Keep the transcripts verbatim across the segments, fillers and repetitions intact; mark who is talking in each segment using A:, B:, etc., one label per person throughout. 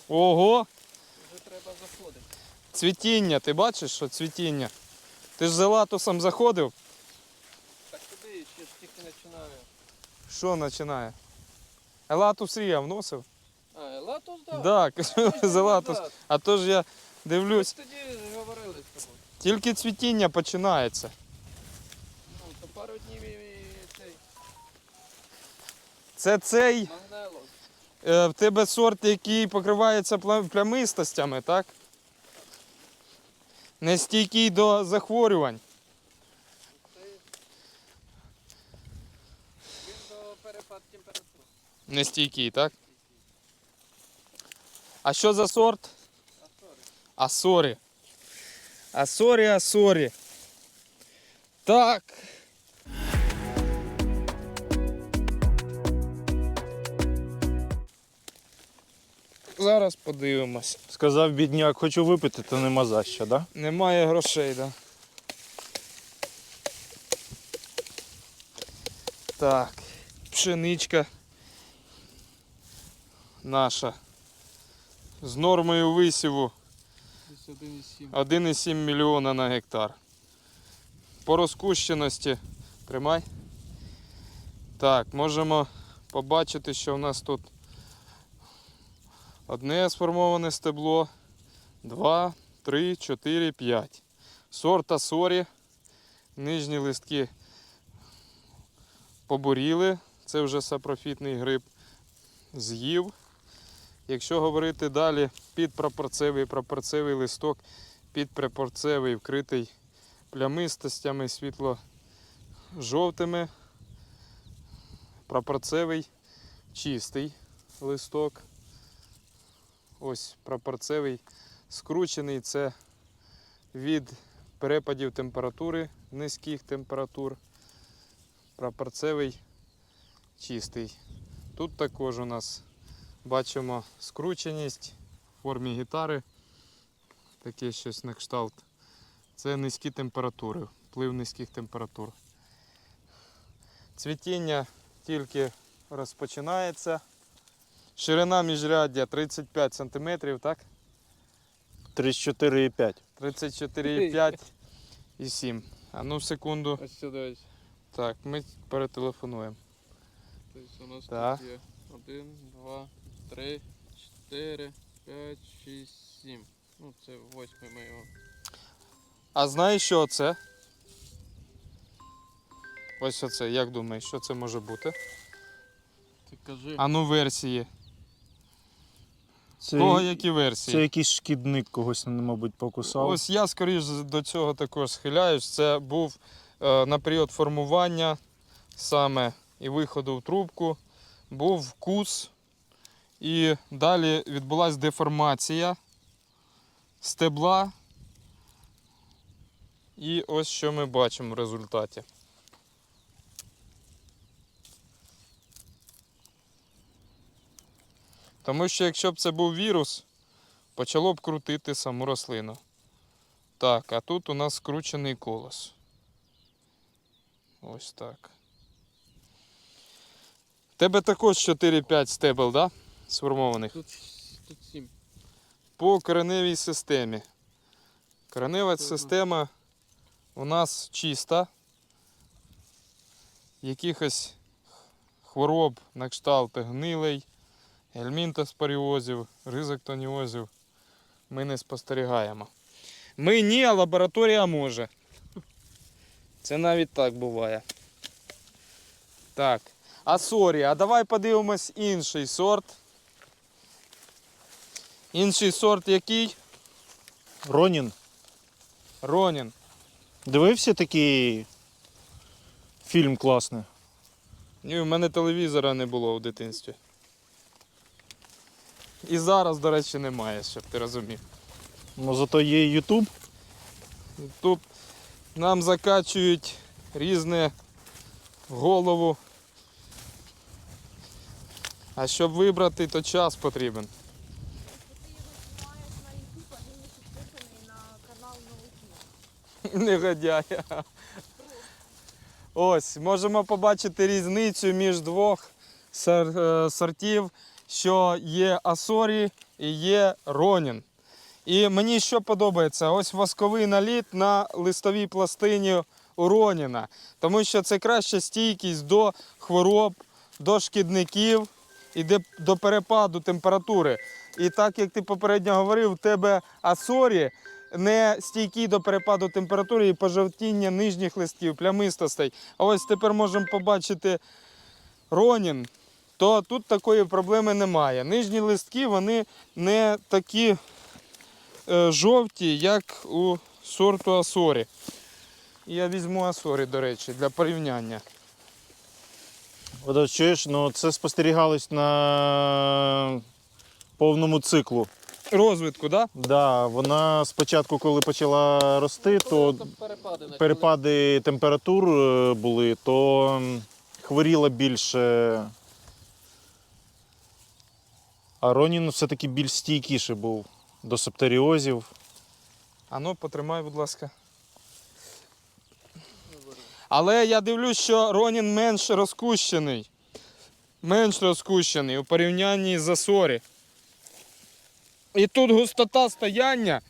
A: Ого!
B: Вже треба заходити.
A: Цвітіння, ти бачиш, що цвітіння? Ти ж з елатусом заходив?
B: Так туди ще ж тільки починаю.
A: Що починає? Елатус я вносив?
B: А, елатус, так.
A: Так, да, з елатус. А то ж я дивлюсь,
B: Ми тоді говорили з тобою.
A: тільки цвітіння починається.
B: Ну, то пару днів і цей
A: Це цей,
B: магнелос.
A: е, в тебе сорт, який покривається пла- плямистостями, так? Не стійкий до захворювань.
B: Це він до перепад температури.
A: Не стійкий, так? А що за сорт?
B: А сорі.
A: Асорі. Асорі, асорі. Так. Зараз подивимось.
C: Сказав бідняк, хочу випити, то нема за що, да?
A: Немає грошей, да. Так. Пшеничка наша. З нормою висіву
B: Десь один і сім.
A: один і сім мільйона на гектар. По розкущеності, тримай. Так, можемо побачити, що в нас тут одне сформоване стебло, два, три, чотири, п'ять. Сорт Асорі. Нижні листки побуріли. Це вже сапрофітний гриб з'їв. Якщо говорити далі, підпрапорцевий, прапорцевий листок, підпрапорцевий вкритий плямистостями світло-жовтими, прапорцевий чистий листок. Ось прапорцевий скручений, це від перепадів температури, низьких температур. Прапорцевий чистий. Тут також у нас бачимо скрученість в формі гітари, таке щось на кшталт. Це низькі температури, вплив низьких температур. Цвітіння тільки розпочинається. Ширина міжряддя тридцять п'ять сантиметрів, так?
C: тридцять чотири і п'ять.
A: тридцять чотири і п'ять і сім. А ну секунду.
B: Ось сюди ось.
A: Так, ми перетелефонуємо.
B: Тобто у нас
A: Так.
B: тут є один, два, три, чотири, п'ять, шість, сім. Ну це восьмий ми його.
A: А знаєш, що це? Ось оце, як думаєш, що це може бути?
B: Ти кажи.
A: А ну версії.
C: Це,
A: Кого які версії?
C: це якийсь шкідник когось, мабуть, покусав.
A: Ось я, скоріш, до цього також схиляюсь. Це був е, на період формування саме і виходу в трубку, був вкус, і далі відбулася деформація стебла. І ось що ми бачимо в результаті. Тому що якщо б це був вірус, почало б крутити саму рослину. Так, а тут у нас скручений колос. Ось так. В тебе також чотири-п'ять стебел, да? Сформованих?
B: Тут, тут сім.
A: По кореневій системі. Коренева
B: Це
A: система у нас чиста. Якихось хвороб на кшталт гнилей, гельмінтоспоріозів, ризоктоніозів ми не спостерігаємо. Ми ні, а лабораторія може. Це навіть так буває. Так. Асорі, а давай подивимось інший сорт. Інший сорт який?
C: Ронін.
A: Ронін.
C: Дивився такий фільм класний?
A: Ні, в мене телевізора не було в дитинстві. І зараз, до речі, немає, щоб ти розумів.
C: Ну зато є Ютуб.
A: Тут нам закачують різне в голову. А щоб вибрати, то час потрібен. Негодяй. Ось, можемо побачити різницю між двох сор- е, сортів що є Асорі і є Ронін. І мені що подобається? Ось восковий наліт на листовій пластині у Роніна. Тому що це краща стійкість до хвороб, до шкідників і до перепаду температури. І так, як ти попередньо говорив, у тебе Асорі не стійкі до перепаду температури і пожовтіння нижніх листків, плямистостей. А ось тепер можемо побачити Ронін, то тут такої проблеми немає. Нижні листки, вони не такі е, жовті, як у сорту Асорі. Я візьму Асорі, до речі, для порівняння.
C: От, от чуєш, ну це спостерігалось на повному циклу.
A: Розвитку, так?
C: Да, вона спочатку, коли почала рости, то
B: Там перепади почали.
C: перепади температур е, були, то м, хворіла більше. А Ронін все-таки більш стійкіший був до септоріозів.
A: Ану, потримай, будь ласка. Але я дивлюсь, що Ронін менш розкущений. Менш розкущений у порівнянні з Асорі. І тут густота стояння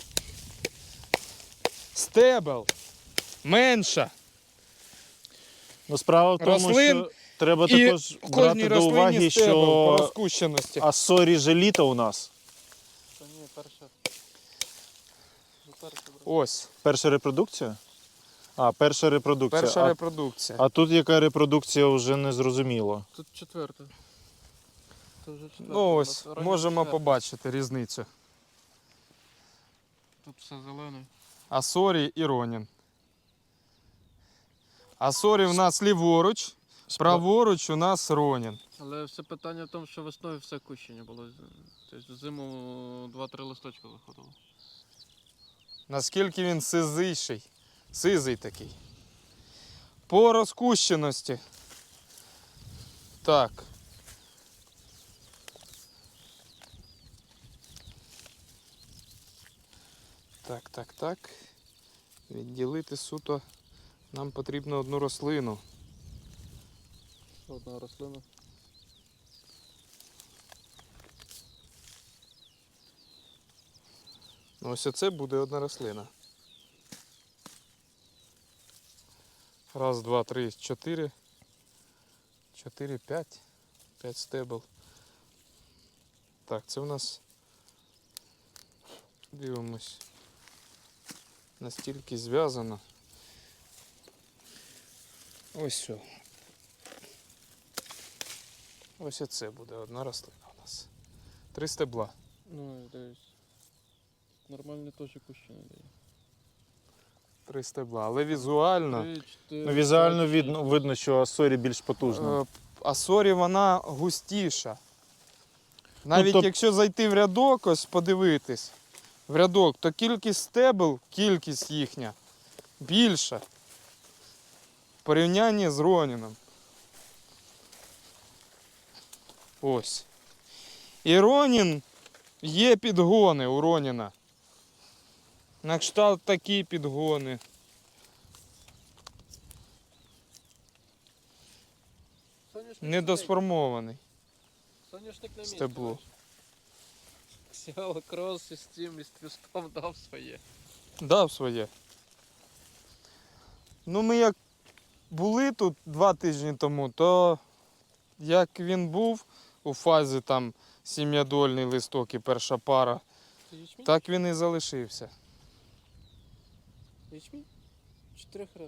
A: стебел менша.
C: Ну, справа в тому,
A: Рослин
C: що треба
A: І
C: також
A: в
C: брати
A: кожній
C: до
A: рослині
C: уваги,
A: стебел по
C: що
A: розкущеності.
C: Асорі желіта у нас.
B: Та ні, перша. Ну, перша брат.
A: Ось,
C: Перша репродукція? А, перша репродукція.
A: перша
C: а,
A: репродукція.
C: а тут яка репродукція вже не зрозуміло.
B: Тут четверта. Це вже четверта.
A: Ну
B: у
A: ось,
B: нас. Раннє
A: можемо
B: четверта.
A: побачити різницю.
B: Тут все зелене.
A: Асорі і Ронін. Асорі в нас ліворуч, праворуч у нас Ронін.
B: Але все питання в тому, що весною все кущення було. Тобто зиму два-три листочка виходило.
A: Наскільки він сизийший, сизий такий. По розкущеності. Так. Так, так, так. Відділити суто нам потрібно одну рослину.
B: Одна рослина.
A: Ну, ось оце буде одна рослина. Раз, два, три, чотири. Чотири, п'ять. П'ять стебел. Так, це у нас. Дивимось. Настільки зв'язано. Ось все. Ось оце буде одна рослина у нас. Три стебла.
B: Ну, дивись. Нормальне теж кущення дає.
A: Три стебла. Але візуально.
B: Три, чотири,
C: Ну, візуально
B: п'ять,
C: видно,
B: шість.
C: видно, що Асорі більш потужна.
A: Е, Асорі вона густіша. Навіть
C: тоб-
A: якщо зайти в рядок, ось подивитись, в рядок, то кількість стебел, кількість їхня більша. В порівнянні з Роніном. Ось. І Ронін, є підгони у Роніна. На кшталт такі підгони.
B: Соняшник
A: Недосформований.
B: Соняшник на місці.
A: стебло.
B: Сіало крос із цим, із твістом дав своє.
A: Дав своє. Ну, ми як були тут два тижні тому, то як він був у фазі там сім'ядольний листок і перша пара,
B: Це ячмінь?
A: так він і залишився.
B: Ячмінь? Чотирьох рад.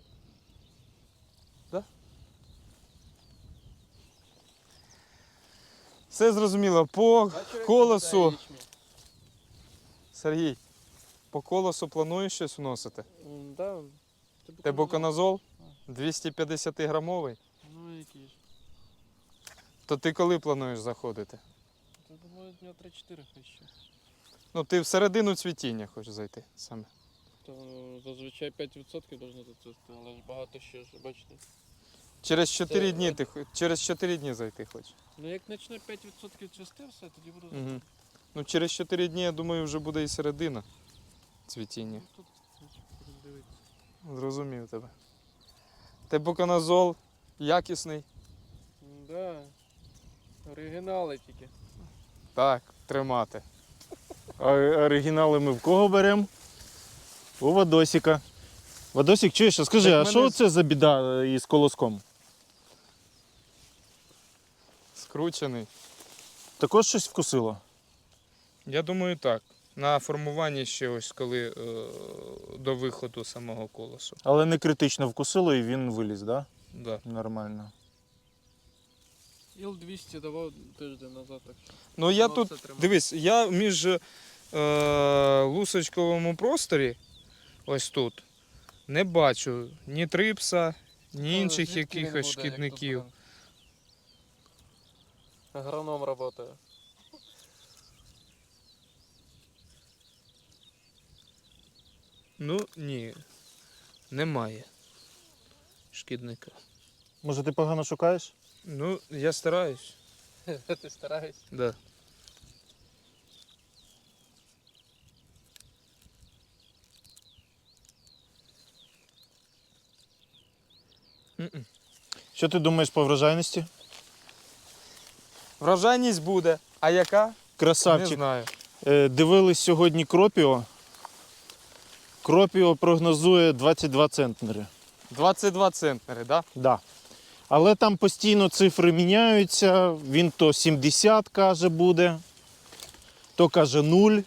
A: Все зрозуміло. По колесу, Сергій, по колесу плануєш щось вносити?
B: М, Да.
A: Тебуконазол двісті п'ятдесят грамовий.
B: Ну який ж.
A: То ти коли плануєш заходити?
B: Це думаю дня три-чотири хай ще.
A: Ну, ти всередину цвітіння хочеш зайти саме.
B: То зазвичай п'ять відсотків должно зацвісти, але ж багато ще ж, бачите.
A: Через чотири
B: Це-
A: дні ти хо- через чотири дні зайти хочеш.
B: Ну як почне п'ять відсотків цвісти, все, тоді буду
A: Угу.
B: заходити.
A: Ну, через чотири дні, я думаю, вже буде і середина цвітіння.
B: Ну, тут значить, будемо дивитися.
A: Зрозумів тебе. Тебуконазол якісний.
B: М, Да. Оригінали тільки.
A: Так, тримати.
C: А оригінали ми в кого беремо? У Вадосіка. Вадосік, чуєш, а скажи,
A: Так
C: а
A: мене
C: що
A: з-
C: це за біда із колоском?
A: Скручений.
C: Також щось вкусило?
A: Я думаю, так. На формуванні ще ось коли е, до виходу самого колосу.
C: Але не критично вкусило і він виліз, так?
A: Да.
C: Да? Нормально.
B: Іл двісті давав тиждень назад, так що.
A: Ну я
B: воно
A: тут,
B: все тримає.
A: дивись, я між е, лусочковому просторі, ось тут, не бачу ні трипса, ні
B: Та
A: інших
B: звідки він
A: якихось
B: буде, як
A: шкідників.
B: тут, блин? Агроном працює.
A: Ну ні, немає шкідника.
C: Може, ти погано шукаєш?
A: Ну, я стараюсь.
B: Ти стараєшся.
A: Да. М-м.
C: Що ти думаєш по врожайності?
A: Врожайність буде. А яка? Не
C: Красавчик.
A: знаю.
C: Е, Дивились сьогодні Кропіо. Кропіо прогнозує двадцять два центнери.
A: двадцять два центнери, так? Да?
C: Да. Але там постійно цифри міняються. Він то сімдесят каже буде, то каже нуль.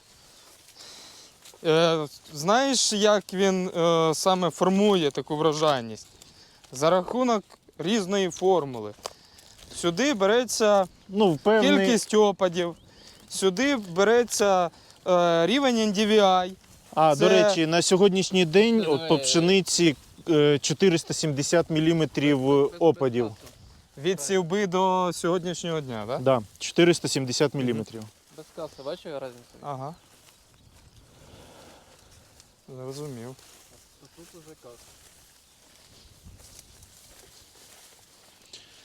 A: Е, знаєш, як він е, саме формує таку врожайність? За рахунок різної формули. Сюди береться
C: Ну, певний...
A: кількість опадів, сюди береться е, рівень ен ді ві ай.
C: А,
A: це-
C: до речі, на сьогоднішній день
B: Це
C: от по
B: не-
C: пшениці е, чотириста сімдесят міліметрів опадів.
A: Від сівби до сьогоднішнього дня, так? Да?
C: Да, чотириста сімдесят міліметрів.
B: Без каси, бачиш різницю?
A: Ага. Зрозумів.
B: Тут уже каса.